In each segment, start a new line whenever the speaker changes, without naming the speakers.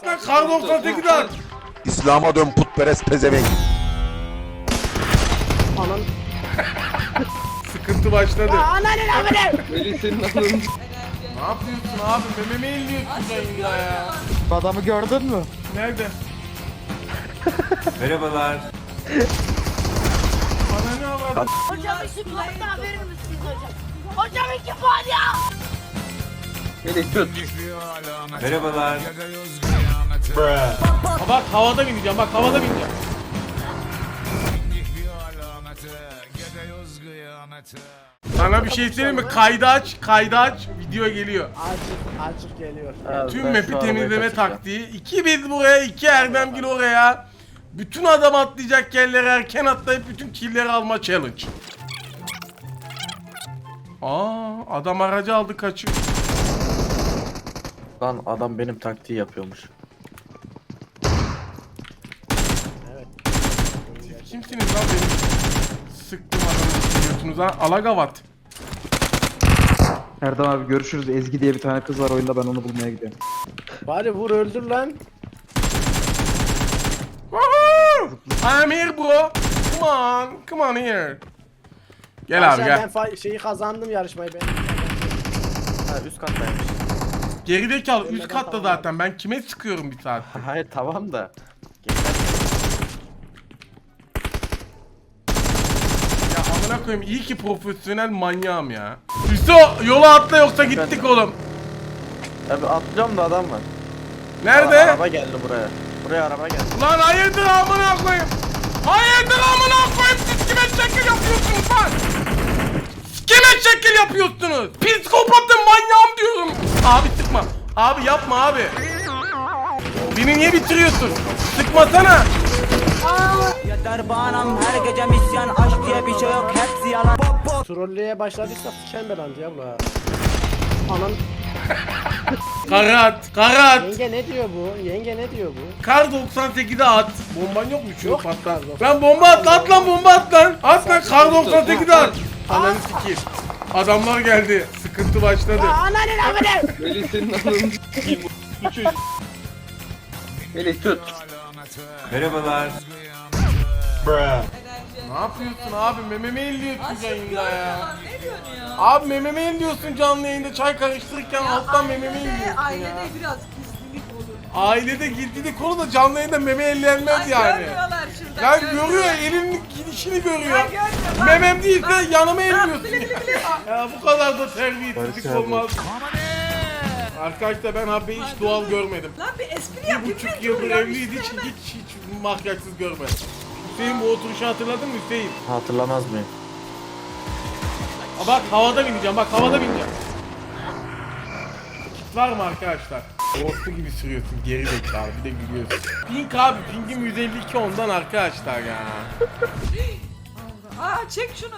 At lan kar 98'i at.
İslam'a dön putperest pezevenk.
Anan.
Sıkıntı başladı.
Ananın amına.
Melih senin ananı.
Ne yapıyorsun abi? Mememi elliyorsun yayında ya.
Adamı gördün mü?
Nerede?
Merhabalar.
Bana ne avradın?
Hocam 2 puan daha verir misiniz hocam? Hocam 2 puan ya!
Melih tut.
Merhabalar.
Ha bak havada bineceğim, bak havada bineceğim. Sana bir şey söyleyeyim mi? Kaydı aç, video geliyor.
Açık geliyor.
Tüm map'i temizleme taktiği. 2 biz buraya, 2 Erdemgil oraya. Bütün adam atlayacak yerlere erken atlayıp bütün killleri alma challenge. Adam aracı aldı kaçıyor.
Lan adam benim taktiği yapıyormuş.
Kimsiniz lan benim? Sıktım adamı götünüz ha. Alagavat.
Erdem abi görüşürüz. Ezgi diye bir tane kız var oyunda, ben onu bulmaya gidiyorum.
Bari vur öldür lan.
Woohoo! I'm here bro. Come on here. Gel abi gel.
Ben şeyi kazandım, yarışmayı ben.
Ha üst kattaymış.
Gerideki al üst katta zaten. Ben kime sıkıyorum bir saat?
Hayır tamam da.
Ya amına koyayım, iyi ki profesyonel manyağım ya. Hüso yola atla yoksa gittik oğlum.
Tabi atlıyorum da adam var.
Nerede?
Araba geldi buraya. Buraya araba geldi.
Lan hayırdır amına koyayım. Hayırdır amına koyayım, siz kime şekil yapıyorsunuz lan? Siz kime şekil yapıyorsunuz? Psikopatım, manyağım diyorum. Abi sıkma. Abi yapma abi. Beni niye bitiriyorsun? Sıkmasana.
Yeter bağnam her gece misyan, aşk diye bir şey yok, hepsi yalan.
Trolleye başladıysak siken belandı ya bu. Anan.
Karat.
Yenge ne diyor bu? Yenge ne diyor bu?
Kar 98'e at. Bomban yok mu? Şunu
Yok.
patlat. Lan bomba at, at lan bomba at lan. At lan kar 98'e at. Ananı sikeyim. Adamlar geldi. Sıkıntı başladı.
Ananın amına.
Melih senin ananı. Melih tut.
Merhabalar.
Ne yapıyorsun abi? Mememi elliyorsun yayında ya. Abi mememi elliyorsun canlı yayında, çay karıştırırken alttan mememi elliyorsun ya.
Ailede biraz gizlilik olur.
Ailede gizlilik olur da canlı yayında meme ellenmez yani.
Görmüyorlar şurada.
Ya görüyor, elinin gidişini görüyor. Memem değilse yanıma elliyorsun. Ya bu kadar da terbiyesizlik olmaz. Arkadaşlar ben abi hiç doğal görmedim.
Lan bir espri yap.
1,5 yıldır evliydi, hiç makyajsız görmedim. Hüseyin bu oturuşu hatırladın mı Hüseyin?
Hatırlamaz mıyım?
Bak havada bineceğim, bak havada bineceğim. Kit var mı arkadaşlar? Orta gibi sürüyorsun, geri zekalı, bir de gülüyorsun. Pink abi, Pink'im 152 ondan arkadaşlar ya.
Aa çek şunu.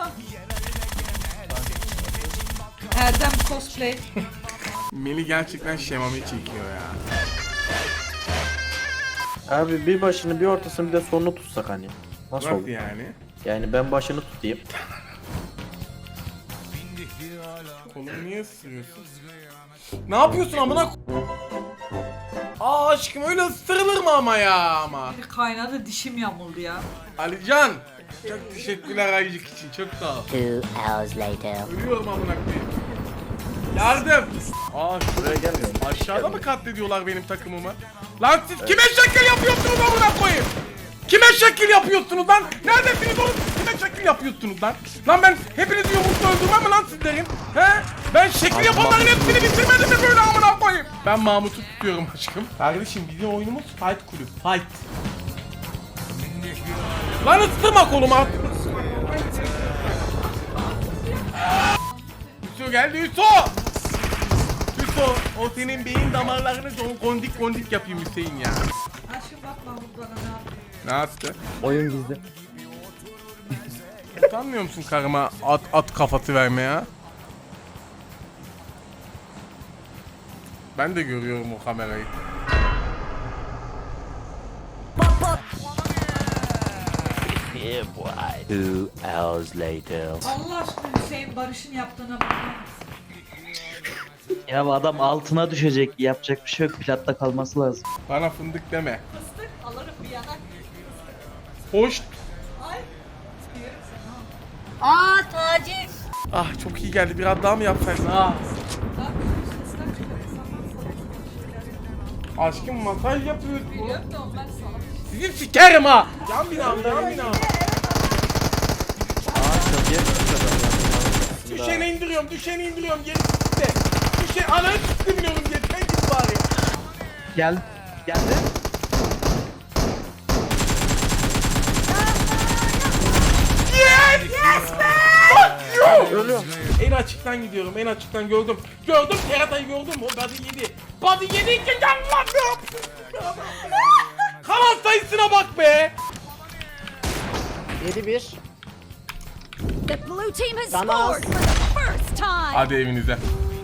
Erdem cosplay.
Melih gerçekten şemame çekiyor ya.
Abi bir başını bir ortasını bir de sonunu tutsak hani. Nasıl
Nasıl
olur?
yani?
Yani ben başını tutayım.
Kolumu niye ısırıyorsun? Ne yapıyorsun amına aşkım, öyle ısırılır mı ama ya ama?
Bir kaynadı, dişim yamuldu ya.
Alican, çok teşekkürler ayıcık için, çok sağ ol.
2 hours later.
Ölüyorum amına koyayım. Yardım.
Buraya gelmiyorum.
Aşağıda mı katlediyorlar benim takımımı? Lan siz kime şekil yapıyorsunuz amına koyayım? Kime şekil yapıyorsunuz lan? Neredesiniz oğlum? Kime şekil yapıyorsunuz lan? Lan ben hepinizi yumrukla öldürmem mi lan sizlerin? He? Ben şekil yapanların hepsini bitirmedim mi böyle amına koyayım? Ben Mahmut'u tutuyorum aşkım. Kardeşim bizim oyunumuz Fight Kulüp. Fight. Lan ısırma koluma. Hüso geldi Hüso. Hüso, o senin beyin damarlarını kondik kondik yapayım Hüseyin ya.
Aşkım bakma bu bana ne yapıyor.
Ne yaptı?
Oyun gizli.
Utanmıyor musun karıma at kafası vermeye? Ben de görüyorum o kamerayı.
Yeah boy. 2 hours later.
Allah aşkına Hüseyin Barış'ın yaptığına bakar mısın?
Ya bu adam altına düşecek. Yapacak bir şey yok. Platta kalması lazım.
Bana fındık deme. Fıstık alırım bir yanak. Hoş.
Aa taciz.
Ah çok iyi geldi. Biraz daha mı yapsaydın? Ah. Aşkım masaj yapıyorsun. Sizin sikerim ha. Yan binam, yan binam. Düşeni indiriyorum, düşeni indiriyorum. Geri gitti. Düşeni ananı çıktı biliyorum. Yeter git bari.
Geldi.
Yes! Yes be! Fuck you! Ölüyorum. En açıktan gidiyorum, en açıktan gördüm. Gördüm, keratayı gördüm. O body yedi. Body yedi ki Allah'ım! Kalan sayısına bak be!
7-1.
The blue team has
Sana az.
scored for the first time.
Hadi evinize.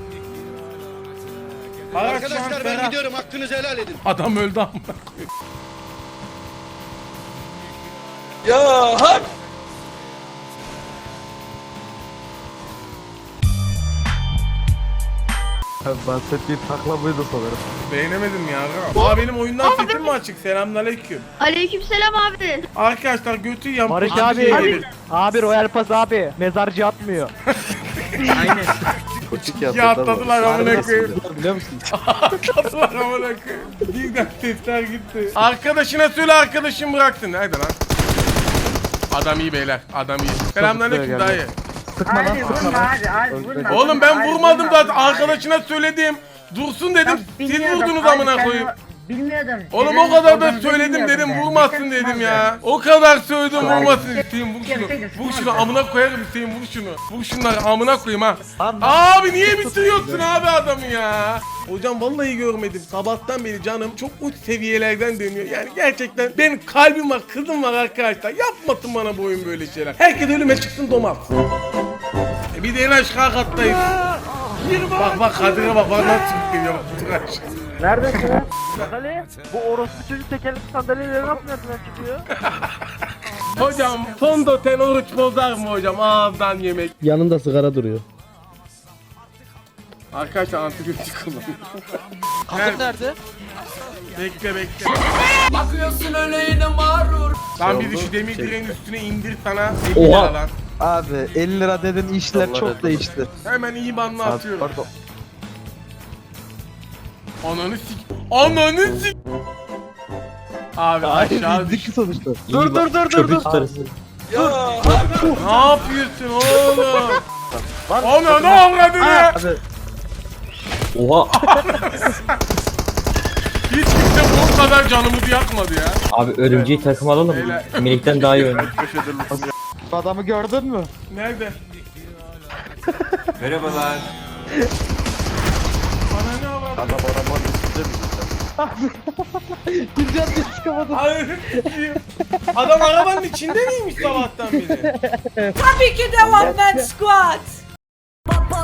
Arkadaşlar ben gidiyorum, hakkınızı helal edin. Adam öldü amına koyayım.
Bahsettiği takla buydu sanırım.
Beğenemedim ya. Aa benim oyundan sesim mi açık? Selamünaleyküm.
Aleykümselam abi.
Arkadaşlar götü yan
Barış
pozisyona
abi.
gelir.
Abi Royal Pass abi. Mezarcı atmıyor.
Koçuk
Ya atladılar amına koyayım.
Biliyor musun?
Atladılar amına koyayım. Birden sesler gitti. Arkadaşına söyle arkadaşım bıraksın. Nerede lan? Adam iyi beyler. Adam iyi. Selamünaleyküm dayı.
Sıkma lan sıkma lan.
Oğlum ben vurmadım zaten. Arkadaşına söyledim. Dursun dedim. Siz vurdunuz amına koyayım.
Bilmiyordum.
Oğlum o kadar da söyledim dedim vurmasın dedim ya. O kadar söyledim vurmasın. Hüseyin vur şunu. Vur şunu amına koyarım Hüseyin vur şunu. Vur şunları amına koyayım ha. Abi niye bitiriyorsun abi adamı ya? Hocam vallahi görmedim. Sabahtan beri canım çok uç seviyelerden dönüyor. Yani gerçekten benim kalbim var, kızım var arkadaşlar. Yapmasın bana bu oyun böyle şeyler. Herkes ölüme çıksın domaz. Bir de en aşağı kattayız. Bak Kadir'e bak nasıl geliyor bak. Tıraş.
Neredesin? Bak Ali. Bu orospu çocuk tekerlekli sandalyeleri nasıl nereden çıkıyor?
Hocam fondöten oruç bozar mı hocam ağızdan yemek?
Yanında sigara duruyor.
Arkadaşlar antibiyotik kullanıyorum.
Kadın nerede?
Bekle. Bakıyorsun öyle yine mağrur. Lan bizi şu demir direğin üstüne indir sana 50 lira lan.
Abi 50 lira dedin işler çok değişti.
Hemen iyi banlı
Abi,
atıyorum.
pardon.
Ananı sik. Abi aşağı düş.
Dik sonuçta.
Dur.
Ne yapıyorsun oğlum? Ana ne avradın ya?
Abi
Oha.
Hiç kimse bu kadar canımızı yakmadı ya.
Abi örümceği takım alalım.
Beyler.
Minikten daha iyi oynuyor.
bu adamı gördün mü?
Nerede?
Merhabalar.
Bana ne avradın?
Adam arabanın üstünde mi?
Bir can diye çıkamadım.
Hayır. Adam arabanın içinde miymiş sabahtan beri?
Tabii ki de one man squad.